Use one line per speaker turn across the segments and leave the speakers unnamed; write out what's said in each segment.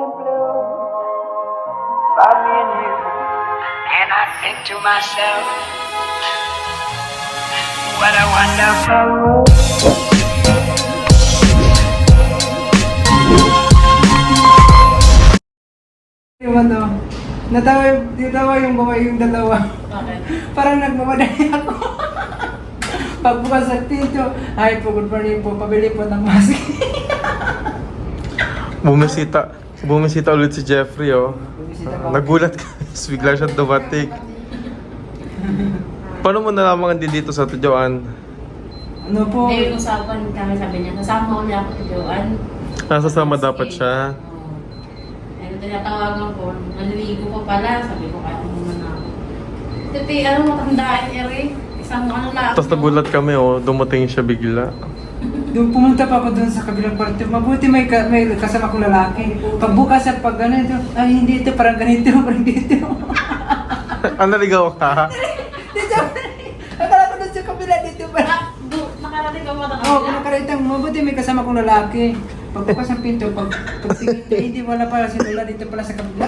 in blue, find me and you. And I think to myself, what a wonderful world.
Yung ano, natawa yung babae yung dalawa.
Bakit?
Parang nagmamadali ako. Pagbukas sa pinto, ay po, good morning po, pabili po ng mask.
Bumisita ulit si Jeffrey, oh. Nagulat ka, bigla siya dumating. Paano mo nalaman hindi dito sa Tujuan?
Ano po?
Hindi, yung usapan kami, sabi niya, nasama ko niya ako sa Joan.
Nasasama dapat siya.
Ano, tinatawagan ko, naliligo ko pala, sabi ko, kaya naman ako. Titi, ano matandaan, Eri? Isang ano lang.
Tapos nagulat kami, oh. Dumating siya bigla.
Doon pumunta pa ako doon sa kabilang kwarto. Mabuti may kasama kong lalaki. Pagbukas at pag ganito, ay hindi ito, parang ganito, parang dito.
Naligaw ka?
Dito, akala ko doon sa kabila dito pa.
Nakarating ka mo na
Oo, kumakaritang mabuti may kasama kong lalaki. Pagbukas ng pinto, pagtingin niya, hindi wala pala si Lola dito pala sa kabila.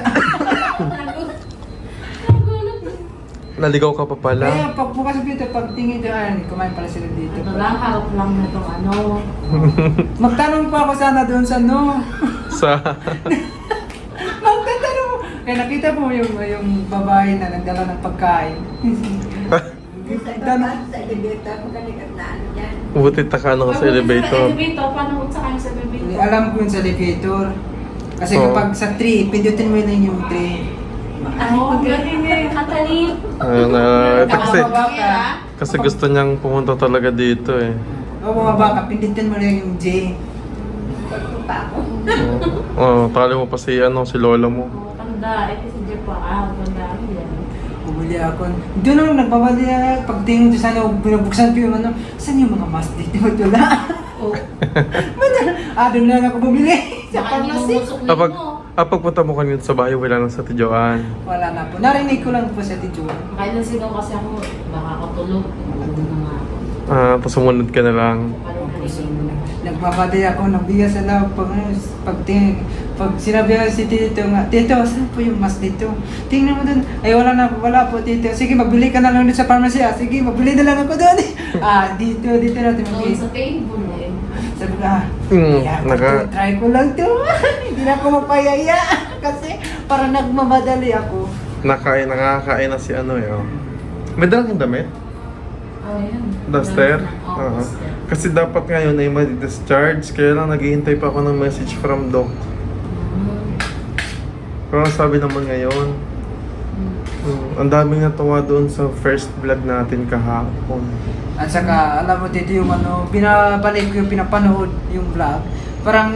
Naligaw ka pa pala?
Kaya pagbukas ng pinto, pagtingin niya, ay, kumain pala sila dito.
Ito lang, harap lang na itong ano.
Magtanong pa ako sana doon sa no.
Sa...
Magtatanong. Kaya nakita po yung babae na nagdala ng pagkain. Tanong.
Sa elevator, magkalikat na ano yan.
Buti taka ka sa elevator.
Elevator, paano sa kanya sa elevator?
Alam ko yun sa elevator. Kasi
Oo.
kapag sa 3, pindutin mo lang yung 3.
Ay, magaling eh, katalin.
Ayun, ito kasi,
Bumaba ka.
kasi gusto niyang pumunta talaga dito, eh.
O bumaba ka, pindutin mo lang yung J.
Pagpunta ako.
Tali mo pa si Lola mo.
Oo, tanda. Eh, kasi Jeff pa, tanda yan.
Bumili ako. Doon ako nagbabali pagtingin ko sana, binubuksan ko yung ano, saan yung mga mask dito? Wala.
Oo.
Doon lang ako bumili. Sa
Baka
pharmacy.
nilumusok na
Kapag,
mo.
pagpunta mo kanina sa bahay, wala nang sa Tujuan.
Wala na po. Narinig ko lang po sa Tijuan.
Kailan sigaw kasi ako, baka ako tulog. Nandun na nga ako.
Tapos sumunod ka na lang.
Parang narinig.
Nagbabali ako ng bigas sa loob pag sinabi ko si Tito nga, Tito, saan po yung mask dito? Tingnan mo dun. Ay, wala po, Tito. Sige, magbili ka na lang dun sa pharmacy. Sige, magbili na lang ako dun. Dito natin
Doon
magbili.
sa table eh.
Sabi ko, try ko lang to. Hindi na ako mapayaya. Kasi parang nagmamadali ako.
Nakakain na si eh, oh. May dalang yung damit?
Oh, yan.
Duster?
Oo,
Oo.
duster.
Kasi dapat ngayon ay ma-discharge, kaya lang naghihintay pa ako ng message from doc. Pero ang sabi naman ngayon, ang daming natuwa doon sa first vlog natin kahapon.
At saka, alam mo Tito, yung binabalik ko yung pinapanood yung vlog. Parang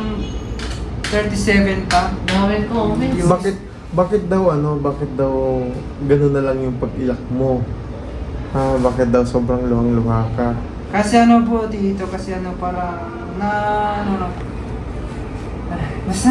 37 pa.
Gawin ko, comments.
Bakit daw gano'n na lang yung pag-iyak mo? Bakit daw sobrang luhang-luha ka?
Kasi po Tito, kasi parang basta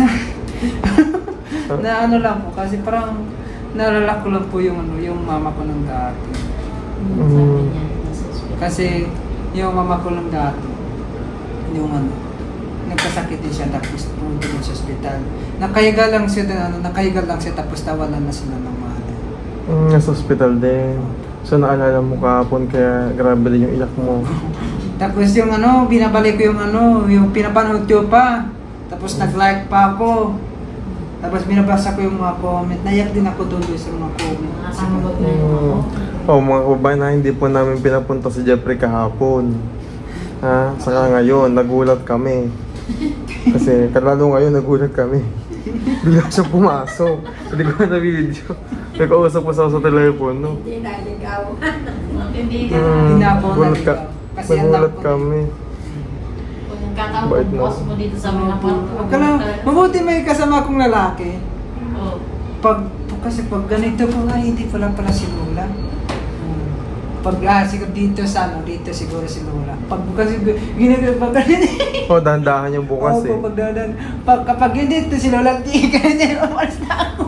na lang po, kasi parang naalala ko lang po yung mama ko ng dati.
Sabi niya, nasa hospital.
Kasi yung mama ko ng dati, yung nagkasakit din siya tapos pumunta din sa ospital. Nakahiga lang siya tapos tawanan na sila ng mahal.
Nasa hospital din. So naalala mo kahapon kaya grabe din yung iyak mo.
Tapos yung binabalik ko yung pinapanood ko pa. Tapos nag-like pa ako. Tapos binabasa ko yung mga comment. Naiyak din ako doon sa mga comment.
Nakakangabot na yun ako.
Mga kabayan na hindi po namin pinapunta si Jeffrey kahapon. Saka ngayon, nagulat kami. Kasi lalo ngayon, nagulat kami. Bigla siya pumasok. Hindi ko na video. Nagkausap ko sa telepono.
Hindi naligaw.
Hindi ka.
Hindi ako
Gulat ka.
naligaw. Kasi ang
Nagulat
takot.
kami.
Kung nagkataon
Bait
kung
na.
boss mo dito sa mga kwarto.
Huwag ka lang, mabuti may kasama akong lalaki.
Oo.
Kasi pag ganito po nga, hindi pala si Lola. Pag siguro dito siguro si Lola. Kasi ginagawa ganito.
Dahan-dahan yung bukas eh.
Opo, kapag hindi ito si Lola, di ganyan, umalis na ako.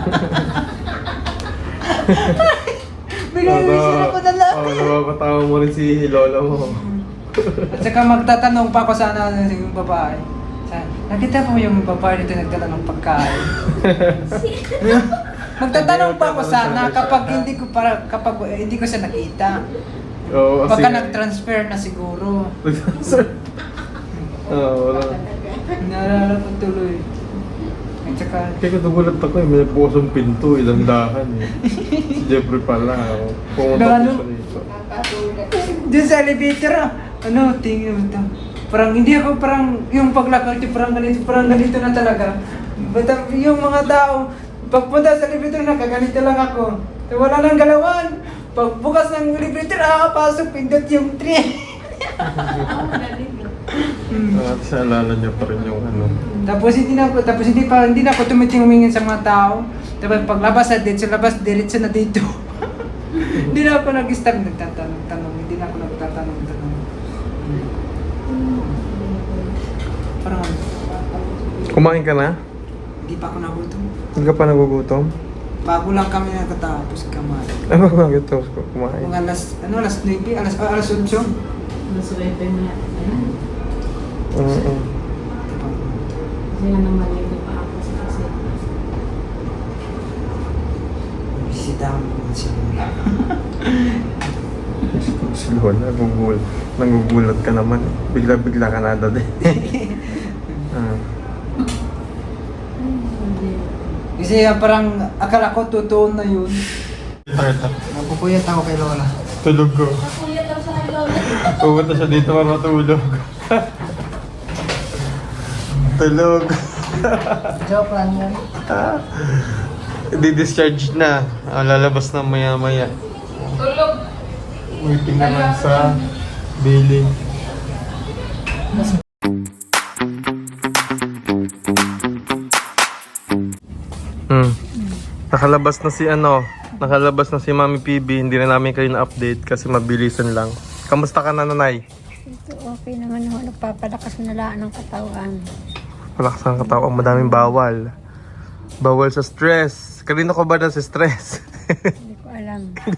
Bigay-bigay ako na lang.
Napapatawa mo rin si Lola mo.
At saka magtatanong pa ako sana yung babae. Nakita mo yung babae dito nagdala ng pagkain. Magtatanong pa ako sana kapag hindi ko siya nakita.
Oo,
Pagka nag-transfer na siguro.
Oo, wala.
Naalala ko tuloy. At saka,
Kaya nagulat ako eh, may pusong pinto, ilang dahan eh. Si Jeffrey pala, pumunta ko
Ano?
siya dito.
Nakatulad.
dun sa elevator, tingin mo ito. Parang hindi ako yung paglakad ko parang ganito na talaga. But yung mga tao, pagpunta sa elevator, nakaganito lang ako. So, wala nang galawan. Pagbukas ng elevator, pasok, pindot yung tree.
At sa alala niya pa rin yung ano.
Tapos hindi na ako tumitingin sa mga tao. Tapos paglabas sa diretso na dito. Hindi na ako nag-stop nagtatanong. Hindi na ako nagtatanong. Parang
Kumain ka na?
hindi pa ako nagutom.
Hindi ka pa nagugutom?
Bago lang kami nakatapos kumain.
Ano ba gutom ko kumain?
Mga alas 9, alas 8.
Nasuwerte na. Ayan.
Oo.
Kasi nga naman yung pa ako sa kasi.
Bisita mo si Lola.
Si Lola, nagugulat ka naman. Bigla-bigla ka na dati.
Kasi parang akala ko totoo na yun. Napupuyat ako kay Lola.
Tulog ko.
Kuya daw sa lola.
Pumunta siya dito para matulog. Tulog.
Joke lang yun.
Di-discharge na. Lalabas na maya-maya.
Tulog.
Waiting naman sa billing. Nakalabas na si Mami PB. Hindi na namin kayo na-update kasi mabilisan lang. Kamusta ka na, nanay?
Ito okay naman ako. Nagpapalakas na lang ng katawan.
Malakas ang katawan, madaming bawal. Bawal sa stress. Kanino ko ba na sa stress?
Hindi ko alam.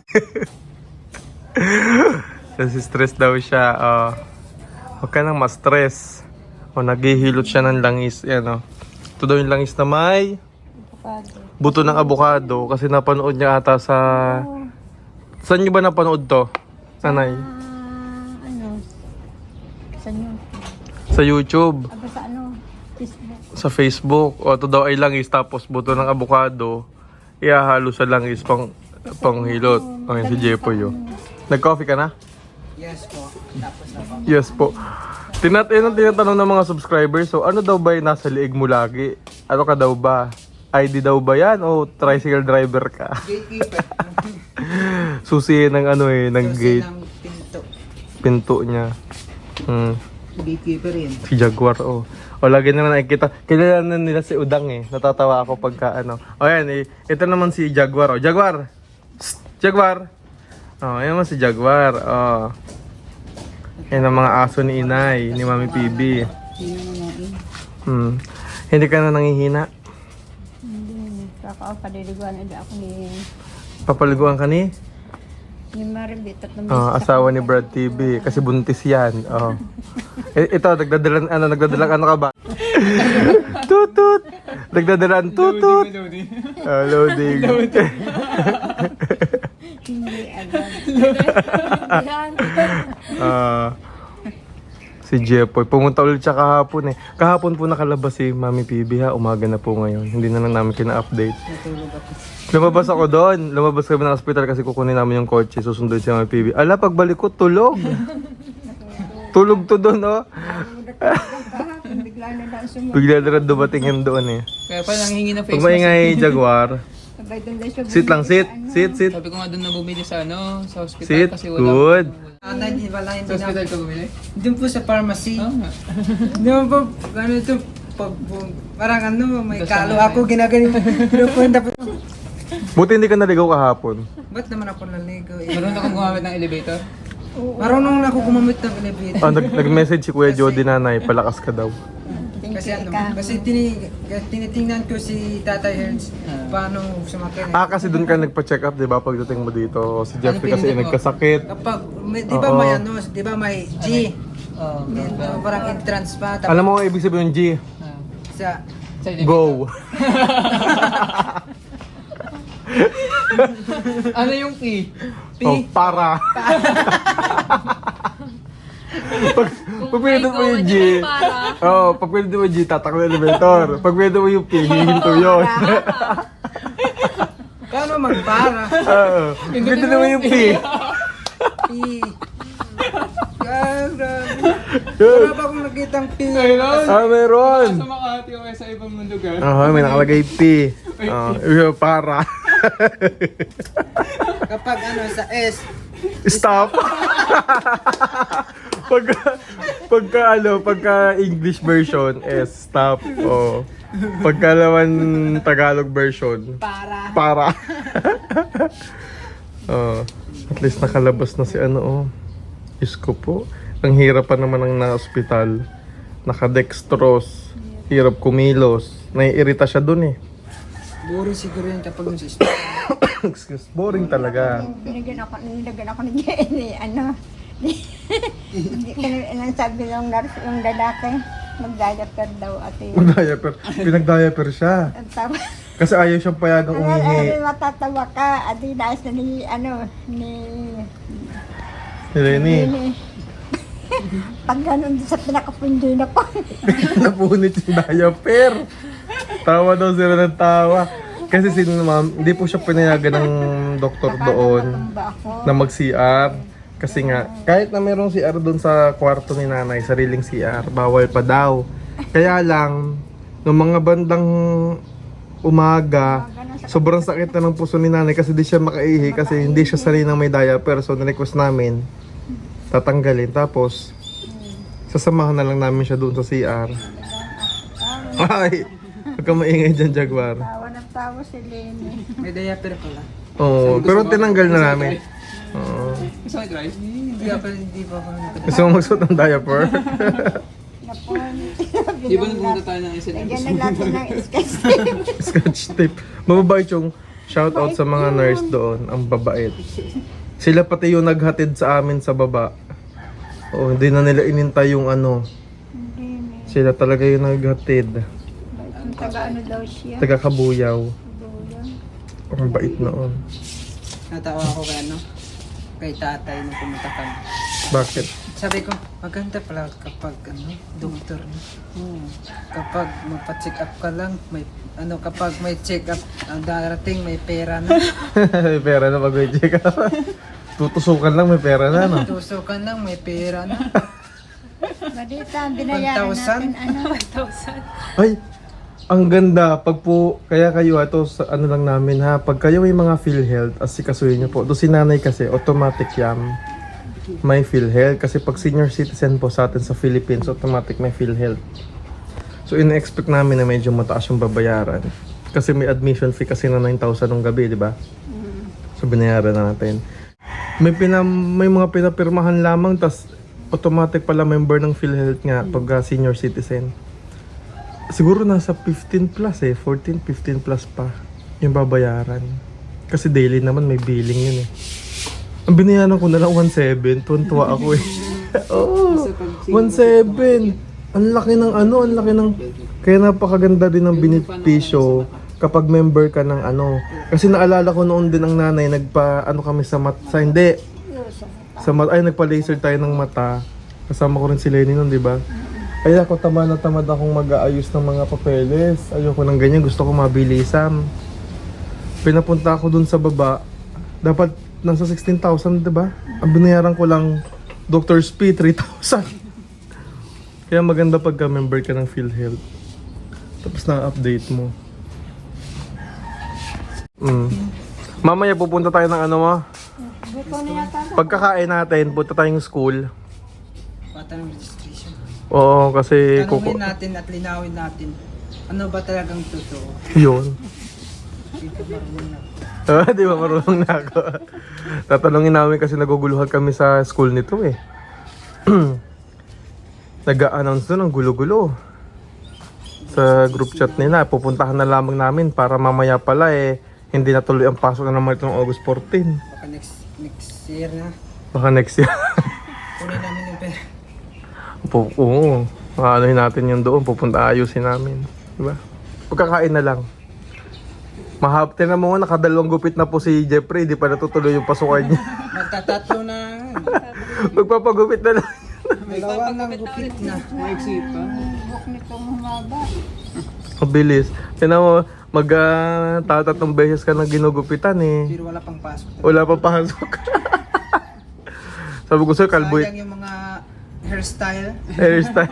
Kasi stress daw siya. Huwag ka nang ma-stress. Naghihilot siya ng langis. Yan, ito daw yung langis na may
Avocado.
buto ng avocado. Kasi napanood niya ata sa... Saan niyo ba napanood to? Nanay?
Ano? Sa nyo?
Sa YouTube.
Aba sa ano? Facebook.
Sa Facebook. O ito daw ay langis. Tapos buto ng avocado. Ihahalo sa langis panghilot. Ang si Jepoy yun. Nag-coffee ka na?
Yes po. Tapos na po.
Yes po. Tinatanong ng mga subscribers, so ano daw ba yung nasa liig mo lagi? Ano ka daw ba? ID daw ba yan o tricycle driver ka?
Gatekeeper.
Susi ng ng
Susi
gate,
ng pinto.
pinto niya.
Gatekeeper yun.
Si Jaguar, O lagi naman nakikita. Kilala na nila si Udang Natatawa ako pagka O yan, ito naman si Jaguar. Jaguar! Psst, Jaguar! Yan naman si Jaguar. Yan ang mga aso ni Inay, ni Mami PB. Hindi ka na nangihina?
Hindi. Kaka paliliguan na ako ni
Papaliguan ka ni?
Maribit at
Asawa ni Brad TV. Kasi buntis yan. Ito, nagdadalan ka ba? Tutut! Nagdadalan tutut! Loading.
Hindi agad.
Si Jepoy. Pumunta ulit siya kahapon Kahapon po nakalabas si Mami PB Umaga na po ngayon. Hindi na lang namin kina-update. Lumabas ako doon. Lumabas kami ng hospital kasi kukunin namin yung kotse. Susunduin si Mami PB. Ala, pagbalik ko, tulog. Tulog to doon,
Bigla na lang sumunod.
Bigla na rin dumating yan doon
Kaya pa nanghingi na
Pag maingay, Jaguar.
Sabay doon din siya
Sit lang, sit. Sit, sit.
Sabi ko nga doon na bumili sa sa hospital
Sit.
kasi wala.
Good.
Hindi sa hospital ka bumili? Doon po sa pharmacy. Doon po, ito, parang may kalo ako, ginaganito. Pinupunta po.
Buti hindi ka naligaw kahapon.
Ba't naman ako naligo?
Marunong akong gumamit ng elevator?
Marunong na ako gumamit ng elevator.
Nag-message si Kuya Jody nanay, palakas ka daw.
Kasi tinitingnan ko si Tatay Hertz paano sumakay.
Kasi doon ka nagpa-check up, di ba? Pagdating mo dito, si Jeffrey kasi
pinili mo?
nagkasakit.
Kapag, di ba may di ba may G?
Oo.
Parang entrance pa.
Alam mo ang ibig sabihin ng G?
Sa
Go!
ano yung P? P?
Oh, para. Pag pinindot mo yung G, pag pinindot mo yung G, tatakbo yung elevator. Pag pinindot mo yung P, hihinto yun.
Paano magpara?
Pag pinindot mo yung P.
P. Grabe. Wala ba akong nakitang P?
Meron.
Sa Makati o sa ibang lugar.
May nakalagay P. Para.
Kapag ano sa S,
Stop. pagka English version is stop. Oh. Pagka naman Tagalog version, para. Oh, at least nakalabas na si ano oh. Diyos ko po. Ang hirap pa naman ng na-hospital. Naka-dextrose. Hirap kumilos. Naiirita siya dun eh.
boring siguro yun kapag yung sis.
Excuse, boring talaga.
Binigyan ako ng DNA, ano. Hindi ko nang sabi ng nurse, yung lalaki, mag-diaper daw ate.
Mag-diaper. Pinag-diaper siya.
Ang tawa.
Kasi ayaw siyang payagang umihi.
Matatawa ka, ate, nais na ni
Lenny.
Pag ganun sa pinakapundi na po.
Napunit yung diaper. Tawa daw sila ng tawa. Kasi si ma'am, hindi po siya pinayagan ng doktor doon na mag-CR. Kasi nga, kahit na merong CR doon sa kwarto ni nanay, sariling CR, bawal pa daw. Kaya lang, nung mga bandang umaga, sobrang sakit na ng puso ni nanay kasi di siya makaihi kasi hindi siya sanay ng may diaper. So, na-request namin, tatanggalin. Tapos, sasamahan na lang namin siya doon sa CR. Ay! Huwag ka maingay dyan, Jaguar.
Tawa ng tawa si Lenny.
May diaper pala.
Oo, pero tinanggal na namin. Oo.
Gusto mo guys? Hindi pa ako nakita.
Gusto mo magsuot ng diaper?
Di ba nagpunta tayo ng SNM?
Lagyan na natin ng sketch tape.
Scotch tape. Mababait yung shoutout sa mga nurse doon. Ang babait. Sila pati yung naghatid sa amin sa baba. Oo, hindi na nila inintay yung ano. Sila talaga yung naghatid.
Taga ano daw siya?
Taga Kabuyaw. Ang bait noon.
Natawa ako kay ano? Kay tatay na pumunta kami.
Bakit?
Sabi ko, maganda pala kapag ano, doktor na. Kapag magpa-check up ka lang, may ano kapag may check up ang darating may pera na.
May pera na pag may check up. Tutusukan lang may pera na, no?
Tusukan lang may pera na.
Madita, binayaran
1,000?
natin ano.
Ay, ang ganda. Pag po, kaya kayo ito sa ano lang namin ha. Pag kayo may mga PhilHealth, asikasuhin nyo po. Doon si nanay kasi, automatic yan. May PhilHealth. Kasi pag senior citizen po sa atin sa Philippines, automatic may PhilHealth. So, in-expect namin na medyo mataas yung babayaran. Kasi may admission fee kasi na 9,000 nung gabi, di ba? So, binayaran na natin. May mga pinapirmahan lamang, tas automatic pala member ng PhilHealth nga pag senior citizen. Siguro nasa 15 plus 14, 15 plus pa yung babayaran. Kasi daily naman may billing yun eh. Ang binayaran ko na lang 1,700, tuwan-tuwa ako eh. Oo, 1,700. Ang laki ng ano, ang laki ng... Kaya napakaganda din ng benepisyo kapag member ka ng ano. Kasi naalala ko noon din ang nanay, nagpa-ano kami sa hindi. Nagpa-laser tayo ng mata. Kasama ko rin si Lenny noon, di ba? Ay ako, tamad akong mag-aayos ng mga papeles. Ayoko ng ganyan, gusto ko mabilisan. Pinapunta ako dun sa baba. Dapat nasa 16,000, diba? Ang binayaran ko lang, Doctor's Fee, 3,000. Kaya maganda pagka member ka ng PhilHealth. Tapos na-update mo. Mamaya pupunta tayo ng ano mo. Pagkakain natin, punta tayong school.
Bata ng registration.
Oo, kasi
Tanungin natin at linawin natin. Ano ba talagang totoo?
Yun.
Hindi ko marunong na.
Di ba marunong na ako? Tatanungin namin kasi naguguluhan kami sa school nito eh. Nag-a-announce doon ang gulo-gulo. Sa group chat nila, pupuntahan na lamang namin para mamaya pala hindi natuloy ang pasok na naman itong August 14.
Baka next year na.
Baka next year.
Kunin namin yung pera.
Oo. Ano natin yun doon, pupunta ayusin namin. Diba? Pagkakain na lang. Tinan mo nga, nakadalawang gupit na po si Jeffrey, di pa natutuloy yung pasukan niya.
Magtatatlo na.
Magpapagupit na lang.
Dalawang ng gupit na. Maiksi pa.
Buhok nitong humaba.
Mabilis. Tinan mo, tatatong beses ka na ginugupitan eh.
Pero wala pang pasok.
Wala pa pasok. Sabi ko sa'yo, kalbo
Sayang yung mga hairstyle.
hairstyle.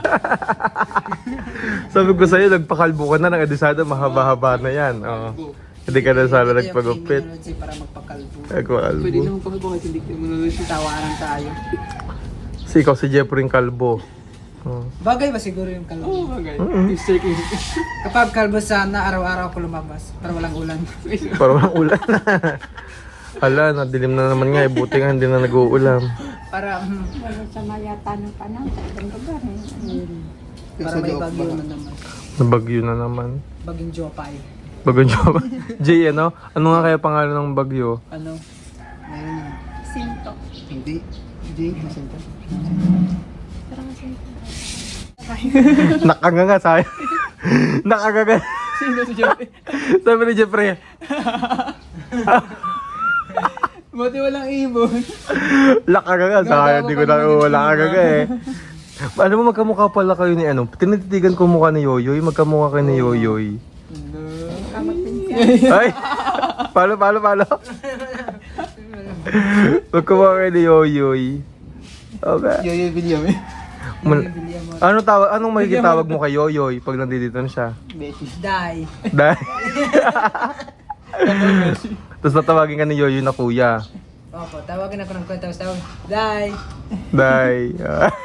Sabi ko sa'yo, nagpakalbo ka na ng adisada, mahaba-haba na yan. Oo. Hindi ka na sana nagpagupit.
Para magpakalbo.
Nagpakalbo.
Pwede naman pakalbo kahit hindi kayo manunod. Tawaran tayo.
Si ikaw si Jeffrey yung kalbo. Oh.
Bagay ba siguro yung kalbo? Oo, bagay. Kapag kalbo sana, araw-araw ako lumabas. Para walang ulan.
Parang walang ulan. Hala, nadilim na naman nga. Buti nga hindi na nag-uulam.
Para,
Wala sa mayata ng panahon sa ibang lugar.
para may bagyo na naman.
Nabagyo na naman.
Baging Jopay.
Bagong job. Jay, ano? Ano nga kaya pangalan ng bagyo?
Ano? Ayun.
Sinto.
Hindi. Hindi. Masinta.
Parang sinto.
Nakanganga sa'yo. Nakanganga.
Sino si Jopay?
Sabi ni Jeffrey.
Buti walang ibon.
Nakanganga sa'yo. Hindi ko na wala kagaga eh. Alam mo, magkamukha pala kayo ni ano. Tinititigan ko mukha ni Yoyoy. Magkamukha kayo ni Yoyoy. Ay! Palo. Magkamukha kayo ni Yoyoy. Okay.
Yoyoy Villame.
Anong magiging tawag mo kay Yoyoy pag nandito na siya?
Die.
Dahil. Tapos natawagin ka ni Yoyoy na kuya.
Opo, tawagin ako ng kwenta. Tawag, Die.
Dahil.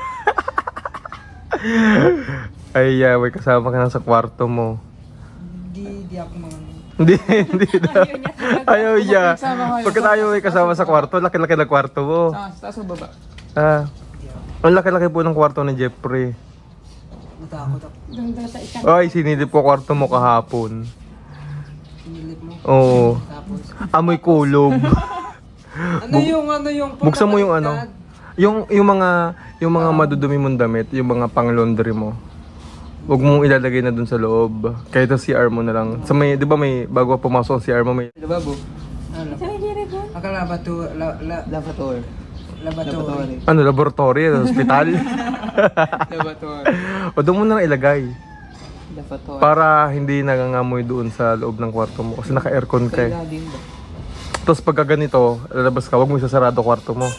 Ay, may kasama ka na sa kwarto mo.
Di ako mga...
Hindi daw. Ayaw niya. Pagka tayo may kasama sa kwarto, laki-laki na kwarto mo.
Sa taas o baba?
Ang laki-laki po ng kwarto ni Jeffrey.
Natakot ako.
Doon sa isang
Ay, sinilip ko kwarto mo kahapon.
Sinilip mo.
Oo.
Tapos...
Amoy kulob.
Ano yung...
Buksan mo yung ano. Yung mga madudumi mong damit, yung mga pang-laundry mo. Huwag mong ilalagay na dun sa loob. Kahit sa CR mo na lang. Sa may, di ba may, bago pumasok ang CR mo, may...
Lababo. Akala Lavator. Laboratory.
Ano, laboratory, hospital?
Laboratory.
O doon mo na lang ilagay.
Laboratory.
Para hindi nangangamoy doon sa loob ng kwarto mo. Kasi naka-aircon ka eh.
Din ba?
Tapos pagka ganito, lalabas ka, huwag mo isasarado kwarto mo.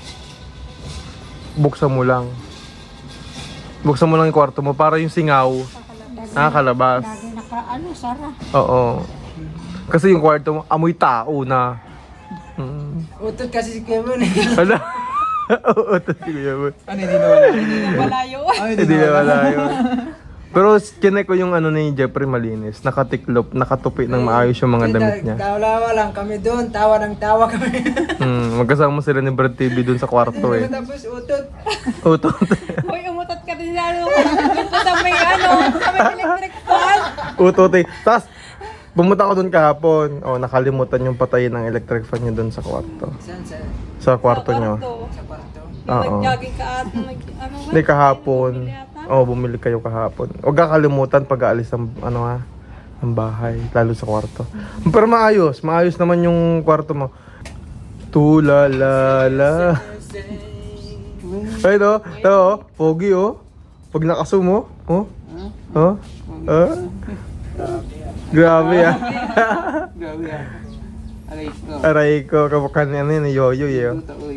Buksan mo lang. Buksan mo lang yung kwarto mo para yung singaw nakakalabas.
lagi sara.
Oo. Kasi yung kwarto mo, amoy tao na.
Utot kasi si Kevin eh.
Hala. Oo, ito sige mo.
Ano, hindi nawala yun?
Hindi na wala yun. Pero kinay ko yung ano ni Jeffrey malinis. Nakatiklop, nakatupi ng maayos yung mga damit niya.
Tawa lang kami doon. Tawa ng tawa kami.
Magkasama sila ni Brad TV doon sa kwarto eh.
Tapos utot.
Utot.
Uy, umutot ka din lalo. Dito sa may sa may electric fan.
Utot eh. Tapos, pumunta ako doon kahapon. Nakalimutan yung patayin ng electric fan niya doon sa kwarto.
Saan?
Sa kwarto niyo.
Sa kwarto.
Oo.
Nag-jogging ka at
Hindi kahapon. Bumili kayo kahapon. Huwag kakalimutan pag aalis ng ng bahay, lalo sa kwarto. Pero maayos naman yung kwarto mo. Tulalala. Ay no, pogi oh. Pag nakasumo, Grabe ah.
Grabe ah.
Aray ko, kamukha ni ano yun, Yoyoy eh.
Duta, uy.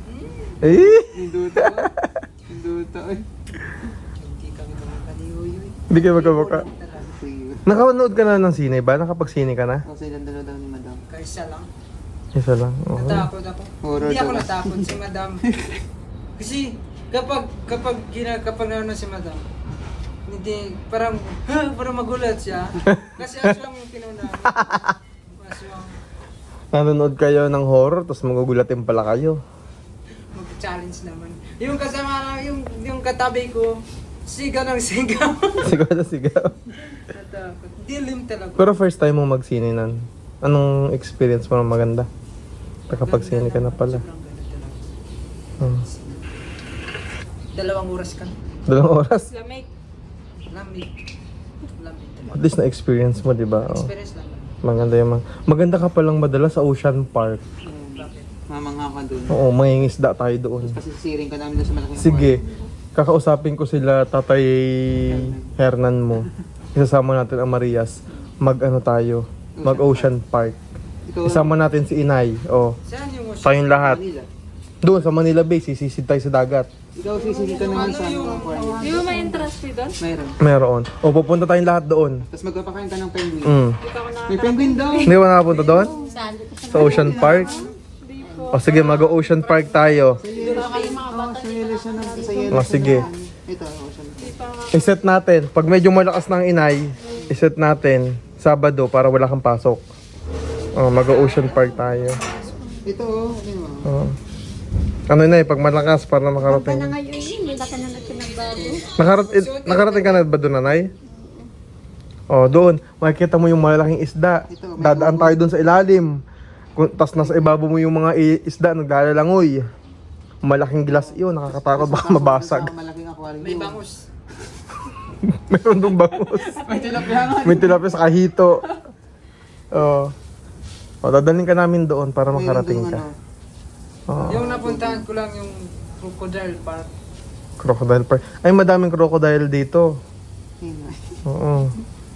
Eh?
Duta, uy. Hindi kami kamukha ni Yoyoy.
Hindi kayo magkamukha. Nakanood ka na ng sine ba? Nakapagsine ka na?
Kasi dandalo daw ni Madam. Kaysa lang.
Isa lang. Oo.
Natakot ako. Hindi ako natakot si Madam. Kasi kapag nanon si Madam, hindi, parang magulat siya. Kasi aswang yung pinuna. Aswang.
Nanonood kayo ng horror, tapos magugulatin pala kayo.
Mag-challenge naman. Yung kasama na, yung katabi ko, sigaw ng sigaw.
Sigaw na sigaw.
Natakot. Dilim talaga.
Pero first time mo magsine nun. Anong experience mo na maganda? Nakapagsine ka na pala.
Sobrang ganda talaga. 2 oras ka.
2 oras?
Lamig.
Lamig.
least na experience mo, di ba? Oh.
Experience lang.
Maganda yung maganda ka palang madala sa Ocean Park.
Bakit? Mamangha ka dun.
Oo, mangingisda tayo doon.
Kasi siring ka namin dun sa malaking
Sige, kakausapin ko sila Tatay Hernan mo. Isasama natin ang Marias. Mag-ano tayo? Mag-Ocean Park. Isama natin si Inay. Oh,
Saan yung
tayong lahat.
Manila?
Doon sa Manila Bay, sisisid tayo sa dagat.
Ikaw sisingin ka naman sa aquarium.
Di ba may entrance fee doon?
Mayroon.
Meron. O, pupunta tayong lahat doon.
Tapos magpapakain ka ng penguin.
Mm.
May penguin daw.
Hindi ba nakapunta doon?
Saan? Dito sa
Sa Ocean Park? O sige, mag-Ocean Park tayo.
Dito kayo mga bata.
Sa yelo siya ng sa yelo.
O sige.
Ito, ocean.
I-set natin. Pag medyo malakas ng Inay, i-set natin Sabado para wala kang pasok. O, mag-Ocean Park tayo.
Ito, ano mo?
O. Ano na pag malakas para
Ka na
makarating.
ngayon eh, may laki na nagbago.
Nakarating ka na ba doon, Nanay? O, doon. Makikita mo yung malalaking isda.
Ito, may
Dadaan tayo doon sa ilalim. Tapos nasa ibabaw mo yung mga isda naglalalangoy. Malaking glass yun. Nakakatakot baka mabasag.
Sa malaking aquarium.
May bangus.
Meron doon bangus.
May tilapia nga.
May tilapia sa kahito. O, dadalhin ka namin doon para makarating ka. Oo.
Yung napuntahan ko lang yung crocodile park.
Crocodile Park. Ay, madaming crocodile dito. Oo.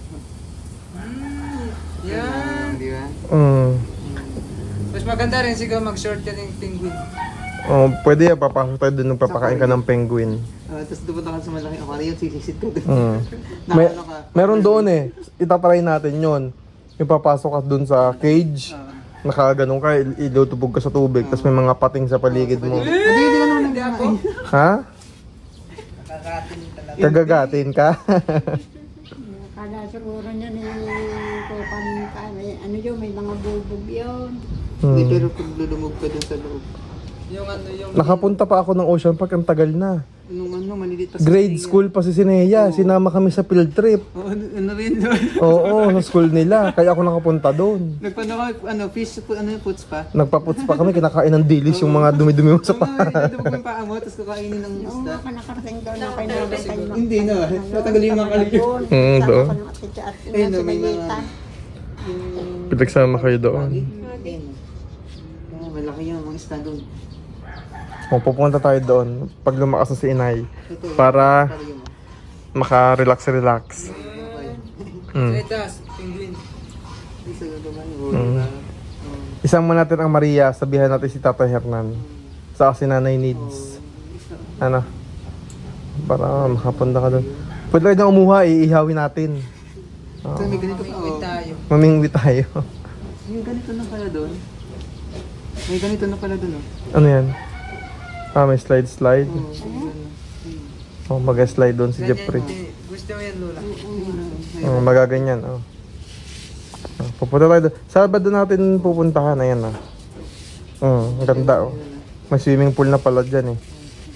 Yan. Di ba? Mas maganda rin siguro mag-short ka ng penguin.
Oh, pwede yan. Papasok tayo doon nung papakain ka ng penguin.
Tapos dupunta ka sa malaking aquarium, sisisid ka dun.
May,
Nakano ka?
meron doon eh. Itatry natin yon. Yung papasok ka doon sa cage. Nakaganon ka, ilutubog ka sa tubig. Tapos may mga pating sa paligid mo.
Hindi ka naman nag-ako.
Ha?
Kakakatin talaga.
Kagagatin ka?
Kala siguro niya yung kupan ka. Ano yun, may mga bulbog yun.
Hindi,
Hmm.
pero kung lulumog ka dun sa loob.
Yung ano yung...
Nakapunta pa ako ng Ocean Park, ang tagal na.
Nung ano, malilit pa
Grade school pa si Sineya. Sinama kami sa field trip.
Oo, ano rin doon.
Oo, sa school nila. Kaya ako nakapunta doon.
Nagpano ka, fish, ano yung puts pa?
Nagpaputs pa kami, kinakain ng dilis yung mga dumi-dumi mo sa
Oo nga,
paa.
dinadabog yung paa mo, tapos kakainin ng
Oo
isda.
nga, nakarating doon ako yung nabenta yung
Hindi na, natanggalin yung mga kaligyo.
doon.
Mm,
Sama
doon.
ko ng atitya at
Ayun, no, may
sinayita.
Pinagsama kayo doon.
Ayun. Ah, malaki yung mga isda doon.
O, pupunta tayo doon pag lumakas na si Inay.
Ito,
Para
aquarium.
maka-relax-relax. Mm.
Setas, penguin. Isa na naman yung diba?
Isang mo natin ang Maria, sabihan natin si Tata Hernan. Sa si Nanay needs. Ano? Para makapunta ka doon. Pwede tayo na umuha, iihawin natin.
So, may ganito pa.
Mamingwit
Oh.
tayo.
Mamingwi tayo.
May ganito na pala doon. May ganito na pala doon.
Ano yan? Ah, may slide-slide.
Oh.
Oh, mag-slide doon si Jeffrey.
Gusto mo yan, Lola?
Oh, magaganyan, oh. Pupunta tayo doon. Sabado natin pupuntahan, ayan na. Ang ganda, oh. May swimming pool na pala dyan, eh.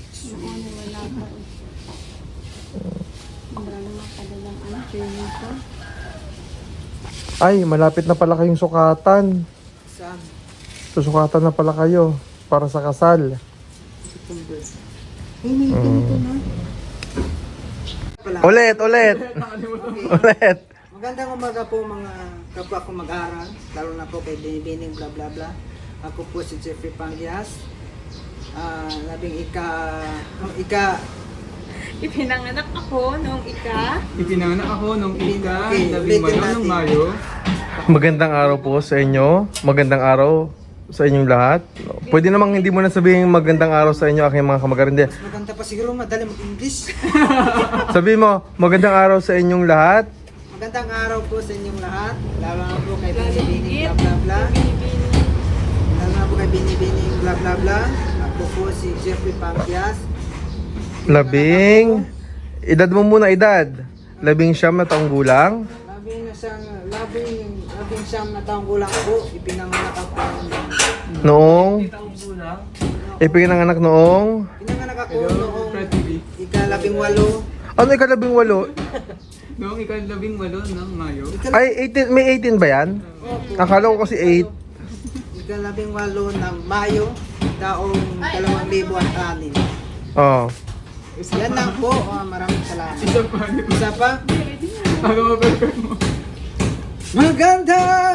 Wala naman pala yung swimming pool.
Ay, malapit na pala kayong sukatan.
Saan?
Susukatan na pala kayo para sa kasal.
September. Ay, may ganito na.
Ulit, ulit. Ulit.
Magandang umaga po mga kapwa ko mag-aaral, lalo na po kay Binibining bla bla bla. Ako po si Jeffrey Pangias. Labing
Ipinanganak ako noong
Ipinanganak ako nung
Okay, ulitin natin.
Magandang araw po sa inyo. Magandang araw sa inyong lahat. Pwede namang hindi mo na sabihin magandang araw sa inyo aking mga kamag-arindia.
Maganda pa siguro madali mag-English.
Sabi mo, magandang araw sa inyong lahat.
Magandang araw po sa inyong lahat, lalo na po kay Binibining bla bla bla. Lalo na po kay Binibining bla bla bla. Ako po si Jeffrey Pangias.
Labing... Edad mo muna, edad. 19 na taong gulang.
Labing siyam na taong gulang po, ipinanganak ako.
Noong... Ipinanganak noong...
Pinanganak ako noong ika-18.
Ano ika-18?
Noong ika-18 ng Mayo.
Ay, 18, may 18 ba yan? Akala ko kasi 8.
Ika-18 ng Mayo, taong 2006.
Oh.
Yan lang po, maraming salamat. Isa pa?
Ako
Magandang